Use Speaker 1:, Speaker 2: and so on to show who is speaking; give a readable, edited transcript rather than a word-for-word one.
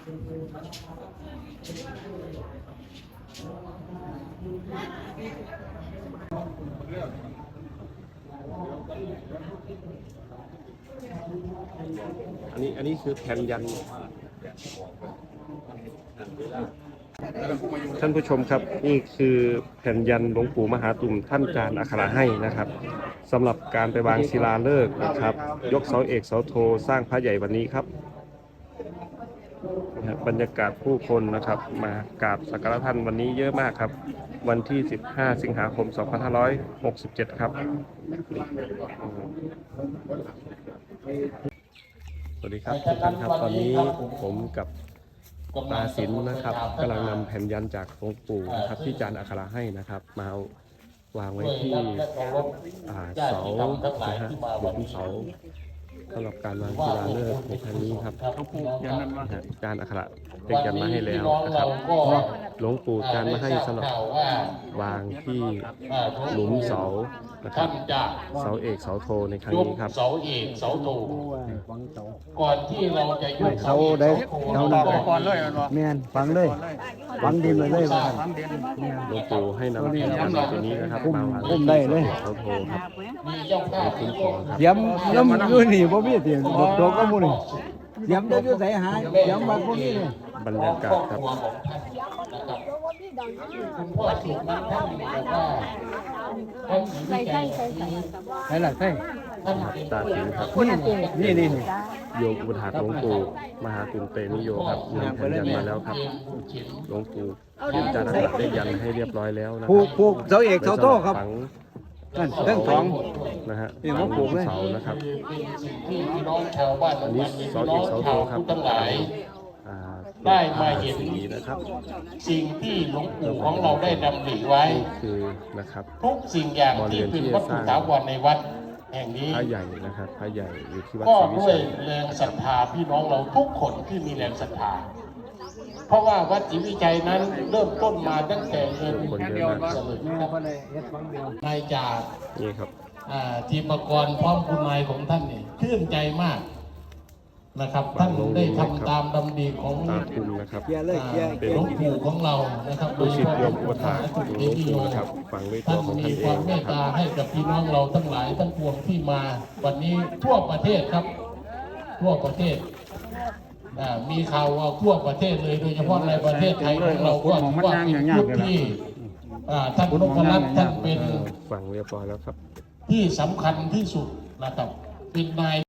Speaker 1: อันนี้คือแผ่นยันท่านผู้ชมครับนี่คือแผ่นยันหลวงปู่มหาตุ่มท่านจารย์อักขระให้นะครับสำหรับการไปวางศิลาฤกษ์นะครับยกเสาเอกเสาโทสร้างพระใหญ่วันนี้ครับบรรยากาศผู้คนนะครับมากราบสักการะท่านวันนี้เยอะมากครับวันที่15 สิงหาคม 2567 ครับสวัสดีครับทุกท่านครับตอนนี้ผมกับตาศิลป์นะครับกำลังนำแผ่นยันจากหลวงปู่นะครับที่จารย์อักขระให้นะครับมาวางไว้ที่เสานะฮะบนเสาสำหรับการวางศิลาฤกษ์ในครั้งนี้ครับจารย์อักขระได้ยันมาให้แล้วนะครับหลวงปู่จารย์มาให้สำหรับวางที่หลุมเสานะครับเสาเอกเสาโทในครั้งนี้ครับ
Speaker 2: เสาเอกเสาโทก่อนที่เราจะยกเสาเอก
Speaker 3: เสาก่อนเลยแม่นฝังเลยฝังดินเลยว่า
Speaker 1: หลวงปู่ให้นำแผ่นยันตัวนี้นะครับมาวางที่เสาโทครับ
Speaker 2: มีเจ้าภาพ
Speaker 1: คุ้มครองครับ
Speaker 3: เสียมน้ำอยู่นี่บ่มีเสียมโดกก็บ่นี่เสียมได้อยู่ไสหาเสียมบัดบ่มีนี่
Speaker 1: บรรยากาศครับ
Speaker 2: คุณพ่อสุนันท์ท่านบอกว่าท่านใส่
Speaker 3: ใส่ละใส่
Speaker 1: ตาศิลป์ครับ
Speaker 3: นี่
Speaker 1: โยมอุปถากหลวงปู่มหาตุมเตนิโยครับนำแผ่นยันมาแล้วครับหลวงปู่จารย์อักขระได้ยันให้เรียบร้อยแล้วนะ
Speaker 3: ผูกเสาเอกเสาโทครับนั่นเรื่องสอง
Speaker 1: นะฮะฝังเสานะครับ
Speaker 2: ที่พี่น้องชาวบ้าน
Speaker 1: อันนี้เสาเอกเสาโทครับ
Speaker 2: ทั้งหลายได้มาเห็น
Speaker 1: นะครับ
Speaker 2: สิ่งที่หลวงปู่ของเราได้ดำริไว้
Speaker 1: คือนะครับ
Speaker 2: ทุกสิ่งอย่างที่เป็นวัตถุถาวรในวัดแห่งนี้
Speaker 1: พระใหญ่นะครับพระใหญ่อยู่ที่วัด
Speaker 2: ก็
Speaker 1: ศรีวิ
Speaker 2: ด้วย
Speaker 1: ชัย
Speaker 2: แรงศรัทธาพี่น้องเราทุกคนที่มีแรงศรัทธาเพราะว่าวัดศรีวิชัยนั้นเริ่มต้นมาตั้งแต่เงินสลึงนายจ่า
Speaker 1: นี่ครับ
Speaker 2: ทีมกรพร้อมคุณนายของท่านเนี่ยชื่นใจมากนะครับท่านได้ทำตามดำริของ
Speaker 1: ตาคุณนะครับ
Speaker 2: เป็นหลวงปู่ของเรานะครับ
Speaker 1: โดยศิษย์โยมอุปถากหลวงปู่นะครับฟังด้วยตัวของท่านเอง
Speaker 2: ความเมตตาให้กับพี่น้องเราทั้งหลายทั้งปวงที่มาวันนี้ทั่วประเทศครับทั่วประเทศมีข่าวว่าทั่วประเทศเลยโดยเฉพาะในประเทศไทยของเราก็ถือว่าเป็นยุคที่ท่านนพรัตน์ท่านเป็น
Speaker 1: ฟังเรียบร้อยแล้วครับ
Speaker 2: ที่สำคัญที่สุดนะครับเป็นนาย